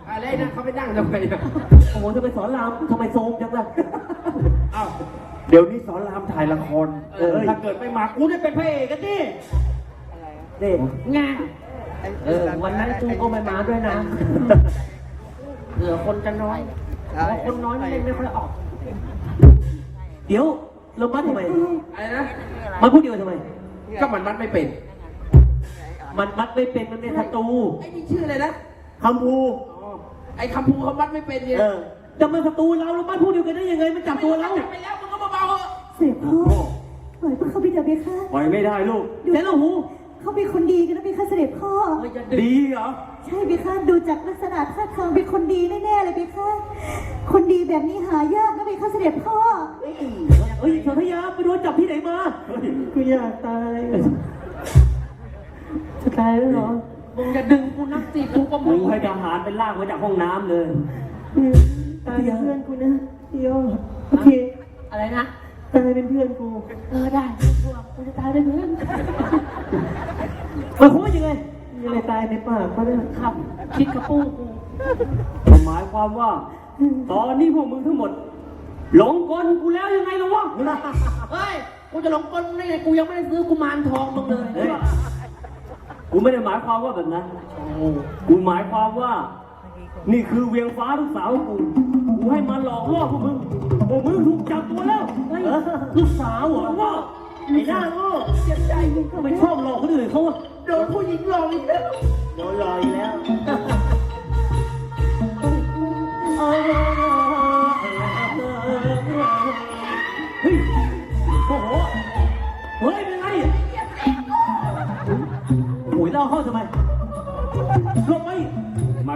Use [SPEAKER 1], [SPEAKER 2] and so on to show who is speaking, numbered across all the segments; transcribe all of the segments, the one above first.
[SPEAKER 1] อะไรนะเขาไปนั่งทำไมนะ
[SPEAKER 2] โอ้โหจะไปสอนรามทำไมโซมจังล่ะ
[SPEAKER 3] อ้าวเดี๋ยวนี้สอนรามถ่ายละครถ้าเกิดไม่มากูได้เป็นพระเอกกันดิ
[SPEAKER 2] เด็กงานวันนั้นกูก็ไม่มาด้วยนะเหลือคนจะน้อยคนน้อยไม่ค่อยออกเดี๋ยวเรามัดทำไม
[SPEAKER 1] อะไรนะ
[SPEAKER 2] มันพูดเดียวทำไม
[SPEAKER 1] ก็มันมัดไม่เป็น
[SPEAKER 2] มันมัดไม่เป็นมันเป็นศัตรู
[SPEAKER 1] ไอ้นี่ชื่ออะไรนะ
[SPEAKER 2] คำพู
[SPEAKER 1] ไอ้คำพูเขามัดไม่เป็นเนี่ย
[SPEAKER 2] จะมาศัตรูเรามัดพูดเดียวกันได้ยังไงมันจับตัวเรา
[SPEAKER 1] จับไปแล้วมึงก็เบาๆ
[SPEAKER 4] เสพพ่อปล่อยพวกเขาไปเถอะเบค่ะ
[SPEAKER 3] ปล่อยไม่ได้ลูก
[SPEAKER 2] เสร็จแล้วหู
[SPEAKER 4] เขาเป็นคนดีกันนะเบค่ะเสด็จพ่อ
[SPEAKER 3] ดีเหรอ
[SPEAKER 4] ใช่เบค่ะดูจากลักษณะท่าทางเป็นคนดีแน่ๆเลยเบค่ะคนดีแบบนี้หายากนะเบค่ะเสด็จพ่อ
[SPEAKER 2] เฮ้ยสนธยาไปโดนจับที่ไหนมากูอยากตายจะตายแล้วเหรอ
[SPEAKER 1] มึงจะดึงกูนักสิกูก็มึง
[SPEAKER 3] ให้ทหารเป็นลากมาจากห้องน้ำเลย
[SPEAKER 2] ตายเพื่อนกูนะพี่ยอโอเค
[SPEAKER 1] อะไรนะ
[SPEAKER 2] ตายเป็นเพื่อนกู
[SPEAKER 1] ได้กูจะตายได้เพื่อน
[SPEAKER 2] มันว่ายังไงยังไงตายในปากเขาเนี่ย
[SPEAKER 1] ครับคิดกระปู
[SPEAKER 3] กูหมายความว่าตอนนี้พวกมึงทั้งหมดหลงกลกูแล้วยังไงล่ะวะ
[SPEAKER 1] เฮ้ยกูจะหลงกลได้ไงกูยังไม่ได้ซื้อกุมารทองมึงเลย
[SPEAKER 3] กูไม่ได้หมายความว่าแบบนั้นกูหมายความว่านี่คือเวียงฟ้าลูกสาวกูให้มาหลอกล่อพวกมึงถูกจับตัวแล้ว
[SPEAKER 2] ลูกสาวเหรอว่าไอ้หน้าโง่
[SPEAKER 1] เจ็บใจ
[SPEAKER 2] ทำไมชอบหลอกคนอื่นเขา
[SPEAKER 1] โดนผู้หญิงหลอกอีกแล้ว
[SPEAKER 2] โดนหลอกอีกแล้วเฮ้ยโอ้โหเฮ้ยเป็นไงโอ้ยเล่าเข้าทำไมลงไป
[SPEAKER 3] มา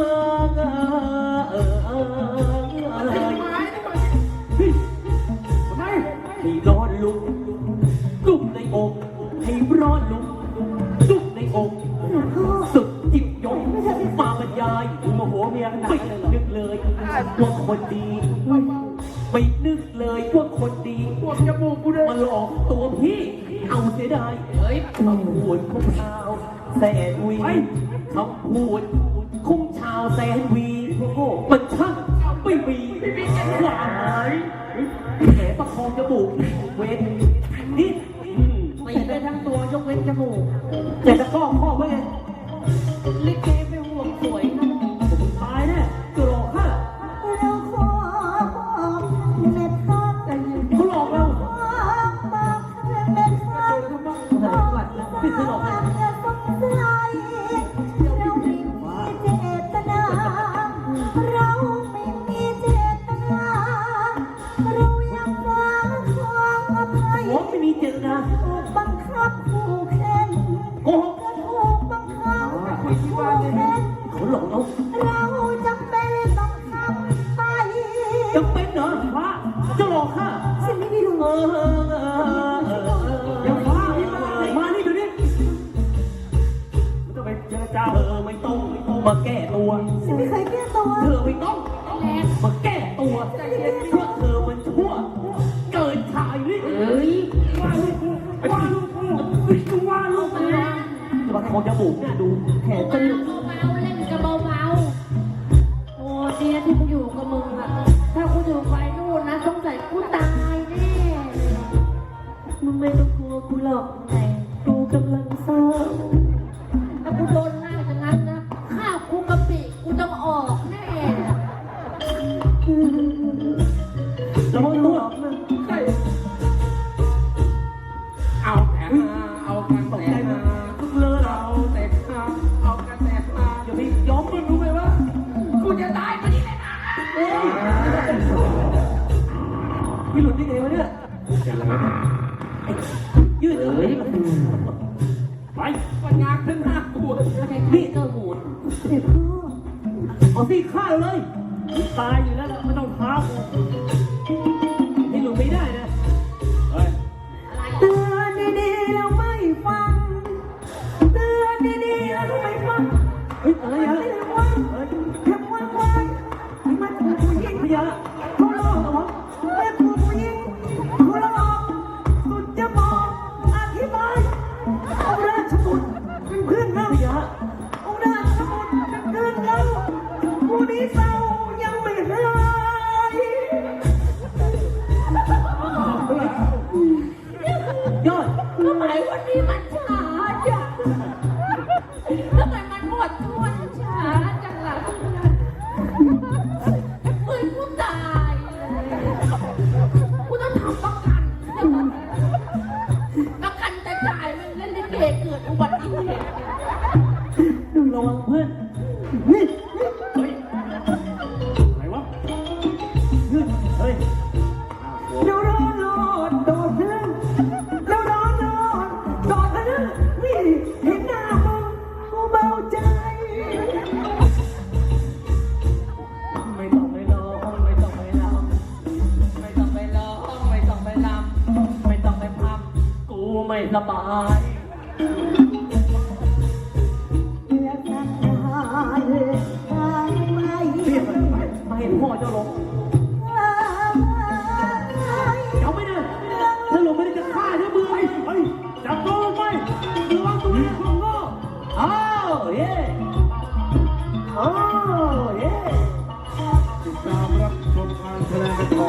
[SPEAKER 2] ให้ร้อนลุกในอกให้ร้อนลุกในอกสุดจิตยงมาบรรยาย
[SPEAKER 3] โมโหเมียขนาดนั้น
[SPEAKER 2] นึกเลยว่าคนดีไม่นึกเลยว่าคนดี
[SPEAKER 1] ปวดจมูกกูเลย
[SPEAKER 2] มาหลอกตัวพี่เอาเสียดายคำพูดของชาวแสนวีคำพูดของชาวแสนวีมันช่างไม่มีความหมายแผลประคองจมูกเว้นนิด
[SPEAKER 1] ไม่ได้ทั้งตัวยกเว้นจมูก
[SPEAKER 2] แต่จะข้อไว้ไง
[SPEAKER 1] ลิเกไปห่วงสวยนะ
[SPEAKER 2] ตายแน่จะหลอกข้า
[SPEAKER 4] เราขอบอกเม็ดข้าแต่ยืน
[SPEAKER 2] เขาหลอกเรา
[SPEAKER 4] บอกเม็ดข้า
[SPEAKER 2] พี่เคยหลอกไหม
[SPEAKER 4] อย่าสงสัยเราไม่มีเจตนาเราไม่มีเจตนาเรายังหวังความอภัย
[SPEAKER 2] ไม่มีเจตนา
[SPEAKER 4] บังคับผู้เข็น
[SPEAKER 2] โกหก
[SPEAKER 4] ถูกบังคับผู้เข็น
[SPEAKER 2] เขาหลอก
[SPEAKER 4] เราจำเป็นต้องทำไป
[SPEAKER 2] จำเป็นเหรอพระจะหลอกข้า
[SPEAKER 4] ฉันไม่ได้รู้
[SPEAKER 2] ยังฟ้ามานี่ดูดิ
[SPEAKER 3] ไม่ต้องไปเจรจา
[SPEAKER 2] ไม่ต้องมาแก้ตัว
[SPEAKER 4] ฉันไม่เคยแก้ตัว
[SPEAKER 2] เธอไม่ต้องมาแก้ตัวเพราะเธอมันชั่วเกินชายนี่ว่าลูกว่าลูกนะบางคนจะบุกเนี่ยดูแขนจะ
[SPEAKER 1] เบาเล่นกับเบาโอ้เดียที่กูอยู่กับมึงอะถ้ากูอยู่ไปนู่นนะสงสัยกูตายแน่
[SPEAKER 2] มึงไม่ต้องกลัวกูหรอกกูกำลังเศร้า
[SPEAKER 1] ถ้ากูโดนหน้าอย่างนั้นนะข้าวกูกะปิกูต้องออกแน่
[SPEAKER 2] แล้วมึงตัว
[SPEAKER 1] เอาแต่เอากันแต่
[SPEAKER 2] ทุกเลิศ
[SPEAKER 1] เอากันแต่
[SPEAKER 2] อย่าไปยอมมึงรู้ไหมว่า
[SPEAKER 1] กูจะตายมาดิเลยนะ
[SPEAKER 2] พี่หลุดได้ไงวะเนี่ยยืดเลย
[SPEAKER 3] ไป
[SPEAKER 1] ปัญญาขึ้นหน้ากู
[SPEAKER 2] นี่เจ้าหมู
[SPEAKER 4] เด็กพ่อ
[SPEAKER 2] เอาสิฆ่าเลยตายอยู่แล้วไม่ต้องท้าให้หลุดไม่ได้นะ
[SPEAKER 4] เตือนดีๆแล้วไม่ฟังเตือนดีๆแล้วไม่ฟัง
[SPEAKER 2] อะไรอ่ะ
[SPEAKER 4] แค่ว่างมันถูกผู้หญิง
[SPEAKER 2] พยา
[SPEAKER 4] เขาหลอกเหรอแม่ถูกผู้หญิงเขาหลอกสุดจะบอกอธิบายเอาราชบุตรเป็นเพื่อนเรา
[SPEAKER 2] พยา
[SPEAKER 4] เอาราชบุตรเป็นเพื่อนเรา
[SPEAKER 2] นี้เศร้ายังไม่หายยอด
[SPEAKER 1] ทำไมวันนี้มันช้าจังทำไมมันหมดทวนช้าจังล่ะเหมือนกูตายเลยกูต้องทำประกันจะจ่ายมันเล่นลิเกเกิดอุบัติเหตุ
[SPEAKER 2] ระวังเพื่อนนี่
[SPEAKER 3] เฮ้ยไหนวะเฮ้ย
[SPEAKER 2] เดี๋ยวรอโดดเพื่อนเดี๋ยวรอโดดนะนี่เห็นหน้ามึงกูเบาใจ
[SPEAKER 3] ไม่ต้องไปร้องไม่ต้องไปรำไม่ต้องไปร้องไม่ต้องไปรำไม่ต้องไปพำกูไม่สบาย
[SPEAKER 2] เรียกมันไปให้พ่อเจ้าลง